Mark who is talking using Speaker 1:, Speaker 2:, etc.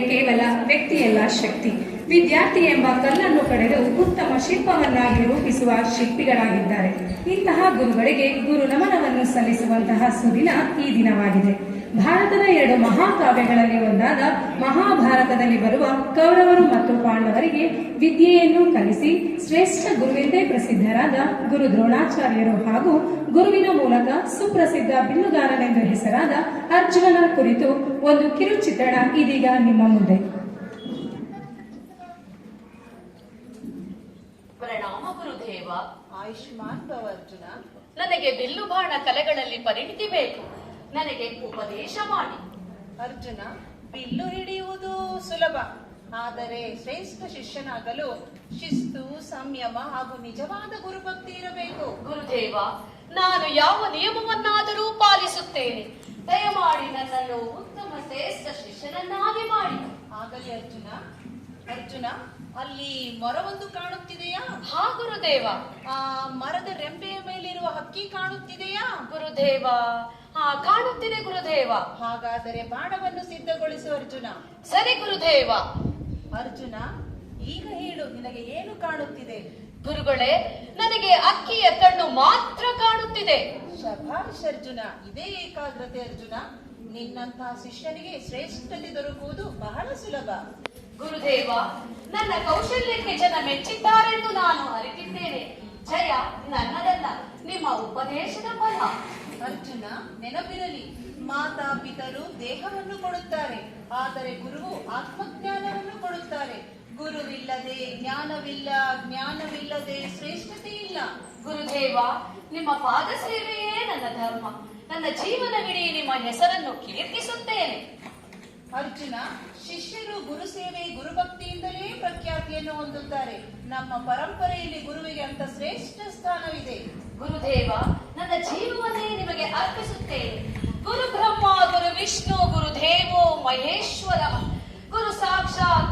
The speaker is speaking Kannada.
Speaker 1: ಕೇವಲ ವ್ಯಕ್ತಿಯಲ್ಲ ಶಕ್ತಿ. ವಿದ್ಯಾರ್ಥಿ ಎಂಬ ಕಲ್ಲನ್ನು ಕಡೆದು ಉತ್ತಮ ಶಿಲ್ಪವನ್ನಾಗಿ ರೂಪಿಸುವ ಶಿಲ್ಪಿಗಳಾಗಿದ್ದಾರೆ. ಇಂತಹ ಗುರುಗಳಿಗೆ ಗುರು ನಮನವನ್ನು ಸಲ್ಲಿಸುವಂತಹ ಸುದಿನ ಈ ದಿನವಾಗಿದೆ. ಭಾರತದ 2 ಮಹಾಕಾವ್ಯಗಳಲ್ಲಿ ಒಂದಾದ ಮಹಾಭಾರತದಲ್ಲಿ ಬರುವ ಕೌರವರು ಮತ್ತು ಪಾಂಡವರಿಗೆ ವಿದ್ಯೆಯನ್ನು ಕಲಿಸಿ ಶ್ರೇಷ್ಠ ಗುರುವೆಂದೇ ಪ್ರಸಿದ್ಧರಾದ ಗುರು ದ್ರೋಣಾಚಾರ್ಯರು ಹಾಗೂ ಗುರುವಿನ ಮೂಲಕ ಸುಪ್ರಸಿದ್ಧ ಬಿಲ್ಲುಗಾರನೆಂದು ಹೆಸರಾದ ಅರ್ಜುನನ ಕುರಿತು ಒಂದು ಕಿರುಚಿತ್ರಣ ಇದೀಗ ನಿಮ್ಮ ಮುಂದೆ.
Speaker 2: ಪ್ರಣಾಮ ಗುರುದೇವ.
Speaker 3: ಆಯುಷ್ಮಾನ್ ಭವ ಅರ್ಜುನ.
Speaker 2: ನನಗೆ ಬಿಲ್ಲು ಬಾಣ ಕಲೆಗಳಲ್ಲಿ ಪರಿಣಿತಿ ಬೇಕು. ನನಗೆ ಉಪದೇಶ ಮಾಡಿ.
Speaker 3: ಅರ್ಜುನ, ಬಿಲ್ಲು ಹಿಡಿಯುವುದು ಸುಲಭ, ಆದರೆ ಶ್ರೇಷ್ಠ ಶಿಷ್ಯನಾಗಲು ಶಿಸ್ತು, ಸಂಯಮ ಹಾಗೂ ನಿಜವಾದ ಗುರುಭಕ್ತಿ ಇರಬೇಕು.
Speaker 2: ಗುರುದೇವ, ನಾನು ಯಾವ ನಿಯಮವನ್ನಾದರೂ ಪಾಲಿಸುತ್ತೇನೆ. ದಯಮಾಡಿ ನನ್ನನ್ನು ಉತ್ತಮ ಶ್ರೇಷ್ಠ ಶಿಷ್ಯನನ್ನಾಗಿ ಮಾಡಿ.
Speaker 3: ಆಗಲಿ ಅರ್ಜುನ. ಅರ್ಜುನ, ಅಲ್ಲಿ ಮರವೊಂದು ಕಾಣುತ್ತಿದೆಯಾ?
Speaker 2: ಹಾ ಗುರುದೇವ.
Speaker 3: ಆ ಮರದ ರೆಂಬೆಯ ಮೇಲಿರುವ ಹಕ್ಕಿ ಕಾಣುತ್ತಿದೆಯಾ?
Speaker 2: ಗುರುದೇವ, ಹಾ ಕಾಣುತ್ತಿದೆ ಗುರುದೇವ.
Speaker 3: ಹಾಗಾದರೆ ಬಾಣವನ್ನು ಸಿದ್ಧಗೊಳಿಸು ಅರ್ಜುನ.
Speaker 2: ಸರಿ ಗುರುದೇವ.
Speaker 3: ಅರ್ಜುನ, ಈಗ ಹೇಳು, ನಿನಗೆ ಏನು ಕಾಣುತ್ತಿದೆ?
Speaker 2: ಗುರುಗಳೇ, ನನಗೆ ಅಕ್ಕಿಯ ಕಣ್ಣು ಮಾತ್ರ ಕಾಣುತ್ತಿದೆ.
Speaker 3: ಶಭಾಷ್ ಅರ್ಜುನ, ಇದೇ ಏಕಾಗ್ರತೆ ಅರ್ಜುನ. ನಿನ್ನಂತಹ ಶಿಷ್ಯನಿಗೆ ಶ್ರೇಷ್ಠತೆ ದೊರಕುವುದು ಬಹಳ ಸುಲಭ.
Speaker 2: ಗುರುದೇವ, ನನ್ನ ಕೌಶಲ್ಯಕ್ಕೆ ಜನ ಮೆಚ್ಚಿದ್ದಾರೆಂದು ನಾನು ಅರಿತಿದ್ದೇನೆ. ಜಯ ನನ್ನದಲ್ಲ, ನಿಮ್ಮ ಉಪದೇಶದ ಫಲ.
Speaker 3: ಅರ್ಜುನ, ನೆನಪಿರಲಿ, ಮಾತಾ ಪಿತರು ದೇಹವನ್ನು ಕೊಡುತ್ತಾರೆ, ಆದರೆ ಗುರುವು ಆತ್ಮಜ್ಞಾನವನ್ನು ಕೊಡುತ್ತಾರೆ. ಗುರುವಿಲ್ಲದೆ ಜ್ಞಾನವಿಲ್ಲ, ಜ್ಞಾನವಿಲ್ಲದೆ ಶ್ರೇಷ್ಠತೆ ಇಲ್ಲ.
Speaker 2: ಗುರುದೇವ, ನಿಮ್ಮ ಪಾದ ಸೇವೆಯೇ ನನ್ನ ಧರ್ಮ. ನನ್ನ ಜೀವನವಿಡೀ ನಿಮ್ಮ ಹೆಸರನ್ನು ಕೀರ್ತಿಸುತ್ತೇನೆ.
Speaker 3: ಅರ್ಜುನ, ಶಿಷ್ಯರು ಗುರು ಸೇವೆ, ಗುರುಭಕ್ತಿಯಿಂದಲೇ ಪ್ರಖ್ಯಾತಿಯನ್ನು ಹೊಂದುತ್ತಾರೆ. ನಮ್ಮ ಪರಂಪರೆಯಲ್ಲಿ ಗುರುವಿಗೆ ಅಂತ ಶ್ರೇಷ್ಠ ಸ್ಥಾನವಿದೆ.
Speaker 2: ಗುರುದೇವ, ನನ್ನ ಜೀವವನ್ನೇ ನಿಮಗೆ ಅರ್ಪಿಸುತ್ತೇನೆ. ಗುರು ಬ್ರಹ್ಮ, ಗುರು ವಿಷ್ಣು, ಗುರುದೇವೋ ಮಹೇಶ್ವರ, ಗುರು ಸಾಕ್ಷಾತ್